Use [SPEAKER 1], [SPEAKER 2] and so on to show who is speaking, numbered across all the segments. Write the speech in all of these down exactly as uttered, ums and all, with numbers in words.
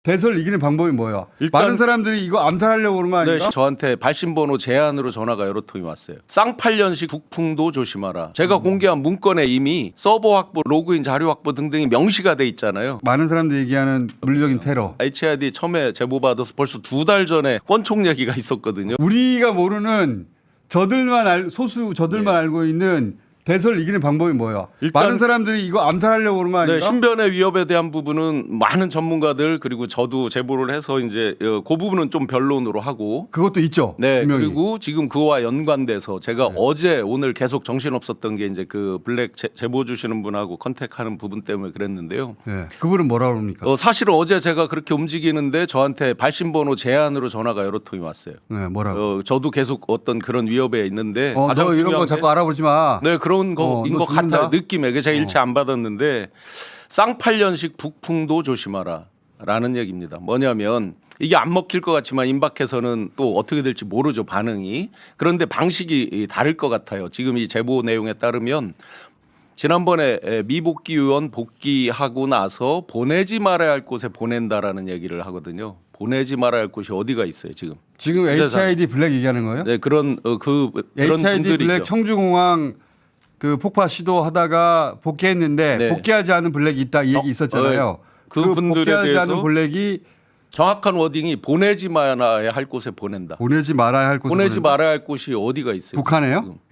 [SPEAKER 1] 대선을 이기는 방법이 뭐야?
[SPEAKER 2] 일단-
[SPEAKER 1] 많은 사람들이 이거 암살하려고 그러는 거
[SPEAKER 3] 네,
[SPEAKER 1] 아닌가?
[SPEAKER 3] 저한테 발신번호 제안으로 전화가 여러 통이 왔어요. 쌍팔년식 북풍도 조심하라. 제가
[SPEAKER 1] 음.
[SPEAKER 3] 공개한 문건에 이미 서버 확보, 로그인 자료 확보 등등이 명시가 돼 있잖아요.
[SPEAKER 1] 많은 사람들이 얘기하는 물리적인 테러.
[SPEAKER 3] 에이치아이디 처음에 제보받아서 벌써 두 달 전에 권총 얘기가 있었거든요.
[SPEAKER 1] 우리가 모르는 저들만 알, 소수 저들만
[SPEAKER 3] 네.
[SPEAKER 1] 알고 있는 대선을 이기는 방법이 뭐야?
[SPEAKER 2] 일단-
[SPEAKER 1] 많은 사람들이 이거 암살하려고 그러는 거
[SPEAKER 3] 네,
[SPEAKER 1] 아닌가?
[SPEAKER 3] 신변의 위협에 대한 부분은 많은 전문가들 그리고 저도 제보를 해서 이제 어, 그 부분은 좀 변론으로 하고
[SPEAKER 1] 그것도 있죠.
[SPEAKER 3] 네,
[SPEAKER 1] 분명히.
[SPEAKER 3] 그리고 지금 그와 연관돼서 제가 어제 오늘 계속 정신 없었던 게 이제 그 블랙 제, 제보 주시는 분하고 컨택하는 부분 때문에 그랬는데요.
[SPEAKER 1] 네. 그분은 뭐라 그럽니까?
[SPEAKER 3] 어, 사실은 어제 제가 그렇게 움직이는데 저한테 발신번호 제안으로 전화가 여러 통이 왔어요.
[SPEAKER 1] 네, 뭐라고?
[SPEAKER 3] 어, 저도 계속 어떤 그런 위협에 있는데
[SPEAKER 1] 어,
[SPEAKER 3] 가장
[SPEAKER 1] 너 이런 거
[SPEAKER 3] 중요한
[SPEAKER 1] 자꾸
[SPEAKER 3] 게
[SPEAKER 1] 알아보지 마.
[SPEAKER 3] 네 그런
[SPEAKER 1] 어,
[SPEAKER 3] 거인
[SPEAKER 1] 너
[SPEAKER 3] 것
[SPEAKER 1] 죽는다?
[SPEAKER 3] 같아요. 느낌에 제가 일체 안 받았는데 쌍팔년식 북풍도 조심하라라는 얘기입니다. 뭐냐면 이게 안 먹힐 것 같지만 임박해서는 또 어떻게 될지 모르죠 반응이. 그런데 방식이 다를 것 같아요. 지금 이 제보 내용에 따르면 지난번에 미복귀 의원 복귀하고 나서 보내지 말아야 할 곳에 보낸다라는 얘기를 하거든요. 보내지 말아야 할 곳이 어디가 있어요 지금?
[SPEAKER 1] 지금
[SPEAKER 3] 그래서-
[SPEAKER 1] 에이치아이디 블랙 얘기하는 거예요?
[SPEAKER 3] 네 그런 어, 그 그런
[SPEAKER 1] 에이치아이디
[SPEAKER 3] 분들이
[SPEAKER 1] 블랙
[SPEAKER 3] 있죠.
[SPEAKER 1] 청주공항 그 폭파 시도하다가 복귀했는데
[SPEAKER 3] 네.
[SPEAKER 1] 복귀하지 않은 블랙이 있다 이 얘기
[SPEAKER 3] 어,
[SPEAKER 1] 있었잖아요.
[SPEAKER 3] 어, 그 분들에
[SPEAKER 1] 복귀하지
[SPEAKER 3] 대해서
[SPEAKER 1] 않은 블랙이
[SPEAKER 3] 정확한 워딩이 보내지 말아야 할 곳에 보낸다.
[SPEAKER 1] 보내지 말아야 할 곳에
[SPEAKER 3] 보내지
[SPEAKER 1] 보낸다?
[SPEAKER 3] 말아야 할 곳이 어디가 있어요?
[SPEAKER 1] 북한에요?
[SPEAKER 3] 지금.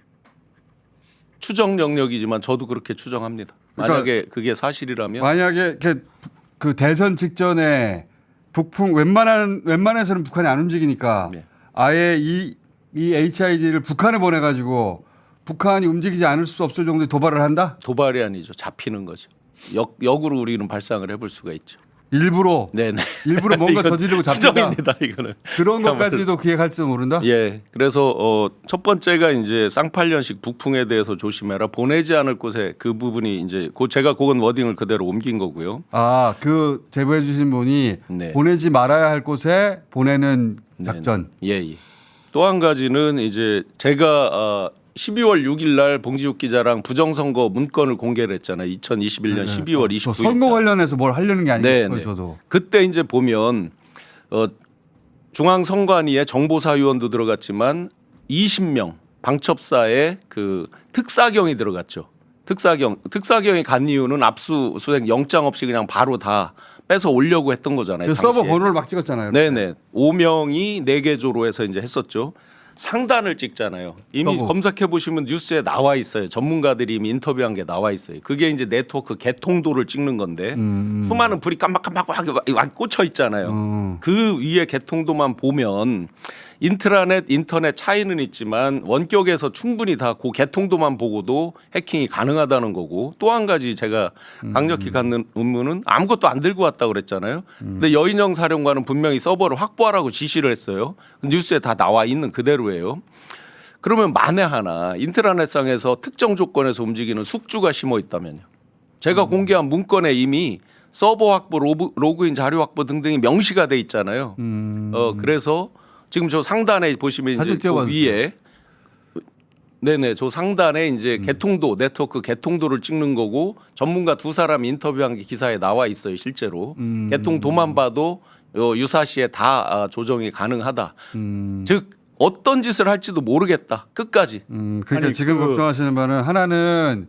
[SPEAKER 3] 추정 영역이지만 저도 그렇게 추정합니다.
[SPEAKER 1] 그러니까
[SPEAKER 3] 만약에 그게 사실이라면
[SPEAKER 1] 만약에 이렇게 그 대선 직전에 북풍 웬만한 웬만해서는 북한이 안 움직이니까
[SPEAKER 3] 네.
[SPEAKER 1] 아예 이, 이 에이치아이디를 북한에 보내가지고 북한이 움직이지 않을 수 없을 정도의 도발을 한다?
[SPEAKER 3] 도발이 아니죠. 잡히는 거죠. 역, 역으로 우리는 발상을 해볼 수가 있죠.
[SPEAKER 1] 일부러
[SPEAKER 3] 네네.
[SPEAKER 1] 일부러 뭔가
[SPEAKER 3] 이건
[SPEAKER 1] 저지르고 잡힌다.
[SPEAKER 3] 추정입니다. 이거는.
[SPEAKER 1] 그런 것까지도 기획할지도 모른다.
[SPEAKER 3] 예. 그래서 어, 첫 번째가 이제 쌍팔년식 북풍에 대해서 조심해라. 보내지 않을 곳에 그 부분이 이제 그 제가 그건 워딩을 그대로 옮긴 거고요.
[SPEAKER 1] 아, 그 제보해 주신 분이
[SPEAKER 3] 네.
[SPEAKER 1] 보내지 말아야 할 곳에 보내는 작전.
[SPEAKER 3] 예, 예. 또 한 가지는 이제 제가 어, 십이월 육일 날 봉지욱 기자랑 부정선거 문건을 공개를 했잖아요. 이천이십일 년 십이월
[SPEAKER 1] 저
[SPEAKER 3] 이십구일.
[SPEAKER 1] 선거 관련해서 뭘 하려는 게
[SPEAKER 3] 네,
[SPEAKER 1] 아니고
[SPEAKER 3] 네.
[SPEAKER 1] 저도.
[SPEAKER 3] 그때 이제 보면 어, 중앙선관위에 정보사위원도 들어갔지만 이십 명 방첩사에 그 특사경이 들어갔죠. 특사경 특사경이 간 이유는 압수수색 영장 없이 그냥 바로 다 뺏어 오려고 했던 거잖아요.
[SPEAKER 1] 그 서버
[SPEAKER 3] 당시에.
[SPEAKER 1] 번호를 막 찍었잖아요.
[SPEAKER 3] 네네. 오 명이 네 개 조로 해서 이제 했었죠. 상단을 찍잖아요. 이미
[SPEAKER 1] 서버.
[SPEAKER 3] 검색해 보시면 뉴스에 나와 있어요. 전문가들이 이미 인터뷰한 게 나와 있어요. 그게 이제 네트워크 개통도를 찍는 건데
[SPEAKER 1] 음.
[SPEAKER 3] 수많은 불이 깜빡깜빡 꽂혀 있잖아요.
[SPEAKER 1] 음.
[SPEAKER 3] 그 위에 개통도만 보면 인트라넷, 인터넷 차이는 있지만 원격에서 충분히 다 그 개통도만 보고도 해킹이 가능하다는 거고 또 한 가지 제가 강력히 갖는 의문은 아무것도 안 들고 왔다고 그랬잖아요. 근데 여인영 사령관은 분명히 서버를 확보하라고 지시를 했어요. 뉴스에 다 나와 있는 그대로예요. 그러면 만에 하나 인트라넷상에서 특정 조건에서 움직이는 숙주가 심어 있다면요. 제가 공개한 문건에 이미 서버 확보, 로그, 로그인 자료 확보 등등이 명시가 돼 있잖아요.
[SPEAKER 1] 음.
[SPEAKER 3] 어 그래서 지금 저 상단에 보시면
[SPEAKER 1] 사진
[SPEAKER 3] 이제 그
[SPEAKER 1] 띄워봐 주세요.
[SPEAKER 3] 위에 네네 저 상단에 이제
[SPEAKER 1] 음.
[SPEAKER 3] 개통도 네트워크 개통도를 찍는 거고 전문가 두 사람 인터뷰한 게 기사에 나와 있어요 실제로
[SPEAKER 1] 음.
[SPEAKER 3] 개통도만 봐도 어, 유사시에 다 아, 조정이 가능하다.
[SPEAKER 1] 음.
[SPEAKER 3] 즉 어떤 짓을 할지도 모르겠다 끝까지.
[SPEAKER 1] 음, 그러니까
[SPEAKER 2] 아니,
[SPEAKER 1] 지금
[SPEAKER 2] 그-
[SPEAKER 1] 걱정하시는 바는 하나는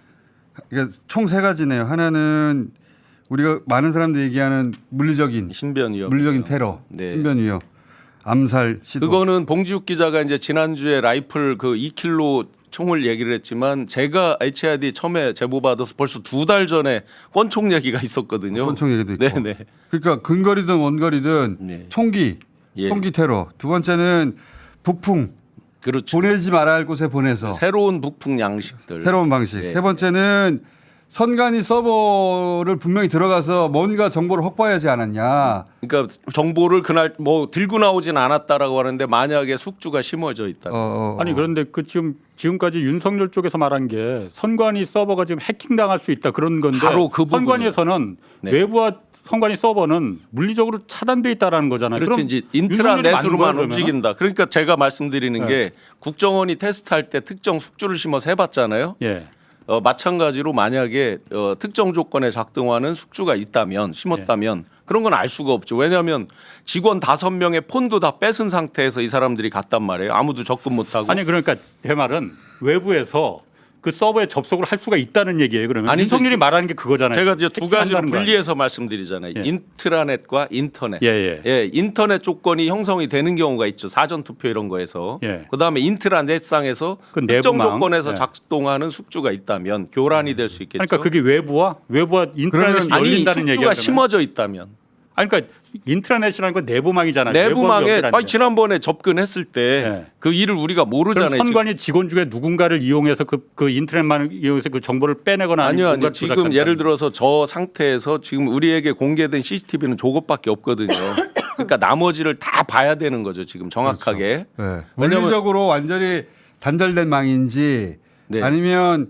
[SPEAKER 1] 총 세 가지네요. 하나는 우리가 많은 사람들이 얘기하는 물리적인
[SPEAKER 3] 신변 위협.
[SPEAKER 1] 물리적인 테러,
[SPEAKER 3] 네.
[SPEAKER 1] 신변 위협, 암살 시도.
[SPEAKER 3] 그거는 봉지욱 기자가 이제 지난주에 라이플 그 이 킬로 총을 얘기를 했지만 제가 에이치아이디 처음에 제보 받아서 벌써 두 달 전에 권총 얘기가 있었거든요.
[SPEAKER 1] 권총 얘기도 있고.
[SPEAKER 3] 네네.
[SPEAKER 1] 그러니까 근거리든 원거리든
[SPEAKER 3] 네.
[SPEAKER 1] 총기,
[SPEAKER 3] 예.
[SPEAKER 1] 총기 테러. 두 번째는 북풍
[SPEAKER 3] 그렇죠.
[SPEAKER 1] 보내지 말아야 할 곳에 보내서
[SPEAKER 3] 새로운 북풍 양식들.
[SPEAKER 1] 새로운 방식.
[SPEAKER 3] 네.
[SPEAKER 1] 세 번째는 선관위 서버를 분명히 들어가서 뭔가 정보를 확보해야지 않았냐.
[SPEAKER 3] 그러니까 정보를 그날 뭐 들고 나오진 않았다라고 하는데 만약에 숙주가 심어져 있다.
[SPEAKER 1] 어, 어, 어.
[SPEAKER 2] 아니 그런데 그 지금 지금까지 윤석열 쪽에서 말한 게 선관위 서버가 지금 해킹당할 수 있다 그런 건데
[SPEAKER 3] 바로 그 부분이에요.
[SPEAKER 2] 선관위에서는
[SPEAKER 3] 네.
[SPEAKER 2] 외부와 선관위 서버는 물리적으로 차단돼 있다라는 거잖아요.
[SPEAKER 3] 그렇지
[SPEAKER 2] 그럼
[SPEAKER 3] 이제
[SPEAKER 2] 윤석열이 만든 거야,
[SPEAKER 3] 인트라넷으로만
[SPEAKER 2] 그러면은?
[SPEAKER 3] 움직인다. 그러니까 제가 말씀드리는
[SPEAKER 2] 네.
[SPEAKER 3] 게 국정원이 테스트할 때 특정 숙주를 심어서 해봤잖아요.
[SPEAKER 2] 예.
[SPEAKER 3] 어, 마찬가지로 만약에 어, 특정 조건에 작동하는 숙주가 있다면 심었다면 그런 건 알 수가 없죠. 왜냐하면 직원 다섯 명의 폰도 다 뺏은 상태에서 이 사람들이 갔단 말이에요. 아무도 접근 못하고.
[SPEAKER 2] 아니 그러니까 제 말은 외부에서 그 서버에 접속을 할 수가 있다는 얘기예요. 그러면
[SPEAKER 3] 아니,
[SPEAKER 2] 윤석열이 말하는 게 그거잖아요.
[SPEAKER 3] 제가 이제 두 가지로
[SPEAKER 2] 해킹한다는 거
[SPEAKER 3] 분리해서 말씀드리잖아요.
[SPEAKER 2] 예.
[SPEAKER 3] 인트라넷과 인터넷.
[SPEAKER 2] 예, 예.
[SPEAKER 3] 예, 인터넷 조건이 형성이 되는 경우가 있죠. 사전 투표 이런 거에서.
[SPEAKER 2] 예.
[SPEAKER 3] 그다음에 인트라넷상에서
[SPEAKER 2] 그
[SPEAKER 3] 특정
[SPEAKER 2] 내부망.
[SPEAKER 3] 조건에서
[SPEAKER 2] 예.
[SPEAKER 3] 작동하는 숙주가 있다면 교란이 될 수 있겠죠.
[SPEAKER 2] 그러니까 그게 외부와 외부와 인트라넷이
[SPEAKER 3] 아니
[SPEAKER 2] 열린다는
[SPEAKER 3] 숙주가
[SPEAKER 2] 얘기가
[SPEAKER 3] 심어져 있다면
[SPEAKER 2] 아니 그러니까 인트라넷이라는 건 내부망이잖아요.
[SPEAKER 3] 내부망에
[SPEAKER 2] 외부하고
[SPEAKER 3] 아니, 지난번에 접근했을 때
[SPEAKER 2] 예.
[SPEAKER 3] 그 일을 우리가
[SPEAKER 2] 그럼
[SPEAKER 3] 모르잖아요. 지금.
[SPEAKER 2] 선관위 직원 중에 누군가를 이용해서 그, 그 인터넷망을 이용해서 그 정보를 빼내거나
[SPEAKER 3] 아니요, 아니요.
[SPEAKER 2] 뭔가를
[SPEAKER 3] 지금
[SPEAKER 2] 조작한다는
[SPEAKER 3] 예를 들어서 저 상태에서 지금 우리에게 공개된 씨씨티비는 저것밖에 없거든요. 그러니까 나머지를 다 봐야 되는 거죠. 지금 정확하게.
[SPEAKER 1] 네.
[SPEAKER 3] 왜냐면-
[SPEAKER 1] 물리적으로 완전히 단절된 망인지
[SPEAKER 3] 네.
[SPEAKER 1] 아니면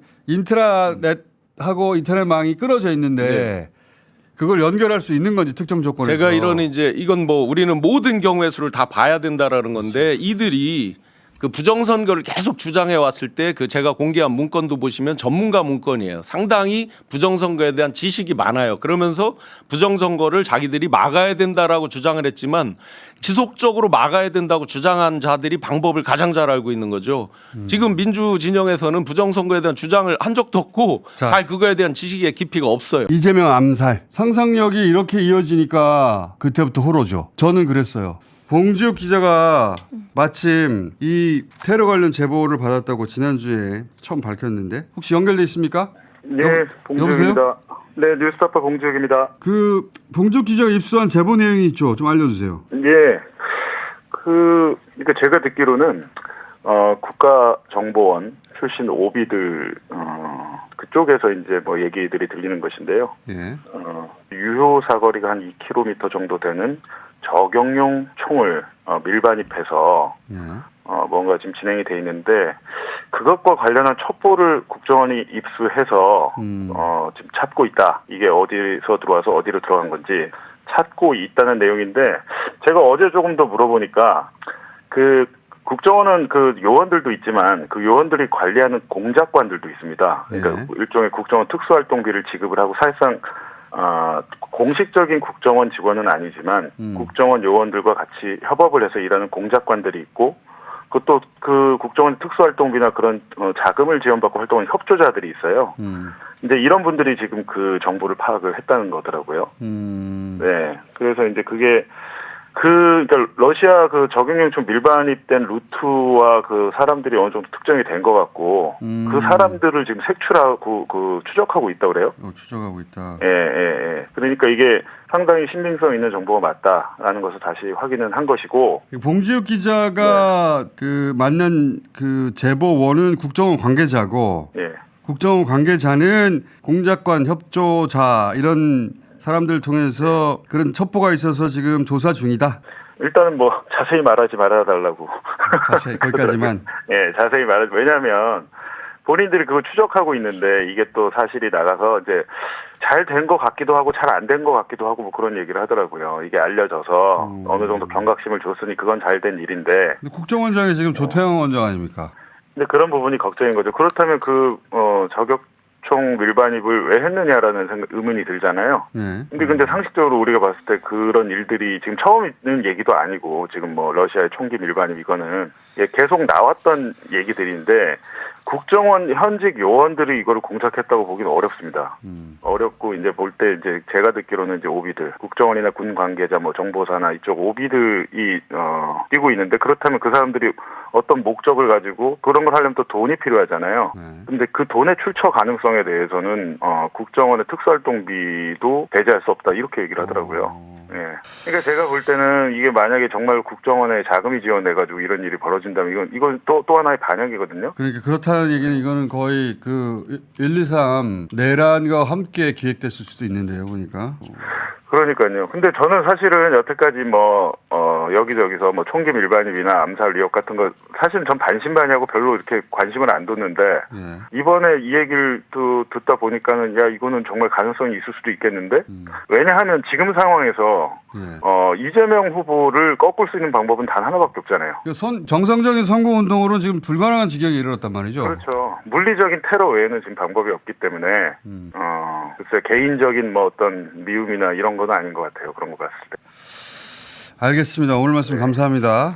[SPEAKER 1] 인트라넷하고 인터넷망이 끊어져 있는데
[SPEAKER 3] 네.
[SPEAKER 1] 그걸 연결할 수 있는 건지 특정 조건에서.
[SPEAKER 3] 제가 이런 이제 이건 뭐 우리는 모든 경우의 수를 다 봐야 된다라는 건데 이들이 그 부정선거를 계속 주장해 왔을 때 그 제가 공개한 문건도 보시면 전문가 문건이에요. 상당히 부정선거에 대한 지식이 많아요. 그러면서 부정선거를 자기들이 막아야 된다라고 주장을 했지만 지속적으로 막아야 된다고 주장한 자들이 방법을 가장 잘 알고 있는 거죠.
[SPEAKER 1] 음.
[SPEAKER 3] 지금 민주 진영에서는 부정선거에 대한 주장을 한 적도 없고
[SPEAKER 1] 자.
[SPEAKER 3] 잘 그거에 대한 지식의 깊이가 없어요.
[SPEAKER 1] 이재명 암살 상상력이 이렇게 이어지니까 그때부터 호로죠. 저는 그랬어요. 봉지욱 기자가 마침 이 테러 관련 제보를 받았다고 지난주에 처음 밝혔는데 혹시 연결돼 있습니까?
[SPEAKER 4] 네,
[SPEAKER 1] 여-
[SPEAKER 4] 봉지욱입니다. 네, 뉴스타파 봉지욱입니다.
[SPEAKER 1] 그 봉지욱 기자가 입수한 제보 내용이 있죠. 좀 알려주세요.
[SPEAKER 4] 예, 그 그러니까 제가 듣기로는 어, 국가정보원 출신 오비들 어, 그쪽에서 이제 뭐 얘기들이 들리는 것인데요.
[SPEAKER 1] 예.
[SPEAKER 4] 어, 유효 사거리가 한 이 킬로미터 정도 되는 저격용 총을 어, 밀반입해서
[SPEAKER 1] 예.
[SPEAKER 4] 어, 뭔가 지금 진행이 돼 있는데 그것과 관련한 첩보를 국정원이 입수해서
[SPEAKER 1] 음.
[SPEAKER 4] 어, 지금 찾고 있다. 이게 어디서 들어와서 어디로 들어간 건지 찾고 있다는 내용인데 제가 어제 조금 더 물어보니까 그 국정원은 그 요원들도 있지만 그 요원들이 관리하는 공작관들도 있습니다. 그러니까
[SPEAKER 1] 네.
[SPEAKER 4] 일종의 국정원 특수활동비를 지급을 하고 사실상 어, 공식적인 국정원 직원은 아니지만
[SPEAKER 1] 음.
[SPEAKER 4] 국정원 요원들과 같이 협업을 해서 일하는 공작관들이 있고 그것도 그 국정원 특수활동비나 그런 어, 자금을 지원받고 활동하는 협조자들이 있어요.
[SPEAKER 1] 음.
[SPEAKER 4] 근데 이런 분들이 지금 그 정보를 파악을 했다는 거더라고요.
[SPEAKER 1] 음.
[SPEAKER 4] 네. 그래서 이제 그게 그, 그러니까 러시아 그 적용용총 밀반입된 루트와 그 사람들이 어느 정도 특정이 된 것 같고
[SPEAKER 1] 음.
[SPEAKER 4] 그 사람들을 지금 색출하고 그 추적하고 있다고 그래요.
[SPEAKER 1] 어, 추적하고 있다.
[SPEAKER 4] 예, 예, 예. 그러니까 이게 상당히 신빙성 있는 정보가 맞다라는 것을 다시 확인은 한 것이고.
[SPEAKER 1] 봉지욱 기자가
[SPEAKER 4] 네.
[SPEAKER 1] 그 만난 그 제보원은 국정원 관계자고
[SPEAKER 4] 예.
[SPEAKER 1] 국정원 관계자는 공작관 협조자 이런 사람들을 통해서 그런 첩보가 있어서 지금 조사 중이다.
[SPEAKER 4] 일단은 뭐 자세히 말하지 말아달라고.
[SPEAKER 1] 자세히 거기까지만.
[SPEAKER 4] 예, 자세히 말하지. 왜냐하면 본인들이 그걸 추적하고 있는데 이게 또 사실이 나가서 이제 잘 된 것 같기도 하고 잘 안 된 것 같기도 하고 뭐 그런 얘기를 하더라고요. 이게 알려져서
[SPEAKER 1] 음.
[SPEAKER 4] 어느 정도 경각심을 줬으니 그건 잘 된 일인데.
[SPEAKER 1] 근데 국정원장이 지금 조태영 원장 아닙니까?
[SPEAKER 4] 근데 그런 부분이 걱정인 거죠. 그렇다면 그 어, 저격총 밀반입을 왜 했느냐라는 생각, 의문이 들잖아요.
[SPEAKER 1] 네.
[SPEAKER 4] 근데 근데 상식적으로 우리가 봤을 때 그런 일들이 지금 처음 있는 얘기도 아니고 지금 뭐 러시아의 총기 밀반입 이거는 예, 계속 나왔던 얘기들인데 국정원 현직 요원들이 이거를 공작했다고 보기는 어렵습니다.
[SPEAKER 1] 음.
[SPEAKER 4] 어렵고 이제 볼 때 이제 제가 듣기로는 이제 오비들 국정원이나 군 관계자 뭐 정보사나 이쪽 오비들이 어 뛰고 있는데 그렇다면 그 사람들이 어떤 목적을 가지고 그런 걸 하려면 또 돈이 필요하잖아요.
[SPEAKER 1] 네.
[SPEAKER 4] 근데 그 돈의 출처 가능성에 대해서는 어 국정원의 특수활동비도 배제할 수 없다 이렇게 얘기를 하더라고요.
[SPEAKER 1] 어.
[SPEAKER 4] 예. 그러니까 제가 볼 때는 이게 만약에 정말 국정원에 자금이 지원돼가지고 이런 일이 벌어진다면 이건 이건 또 또 하나의 반영이거든요.
[SPEAKER 1] 그러니까 그렇다는 얘기는 이거는 거의 그 일, 이, 삼 내란과 함께 기획됐을 수도 있는데요, 보니까. 어.
[SPEAKER 4] 그러니까요. 근데 저는 사실은 여태까지 뭐, 어, 여기저기서 뭐 총기 밀반입이나 암살 의혹 같은 거 사실은 전 반신반의하고 별로 이렇게 관심을 안 뒀는데
[SPEAKER 1] 예.
[SPEAKER 4] 이번에 이 얘기를 또 듣다 보니까는 야, 이거는 정말 가능성이 있을 수도 있겠는데
[SPEAKER 1] 음.
[SPEAKER 4] 왜냐하면 지금 상황에서
[SPEAKER 1] 예.
[SPEAKER 4] 어, 이재명 후보를 꺾을 수 있는 방법은 단 하나밖에 없잖아요.
[SPEAKER 1] 그 선, 정상적인 선거운동으로는 지금 불가능한 지경에 이르렀단 말이죠.
[SPEAKER 4] 그렇죠. 물리적인 테러 외에는 지금 방법이 없기 때문에
[SPEAKER 1] 음.
[SPEAKER 4] 어, 글쎄 개인적인 뭐 어떤 미움이나 이런 건 아닌 것 같아요. 그런 거 봤을 때.
[SPEAKER 1] 알겠습니다. 오늘 말씀 감사합니다.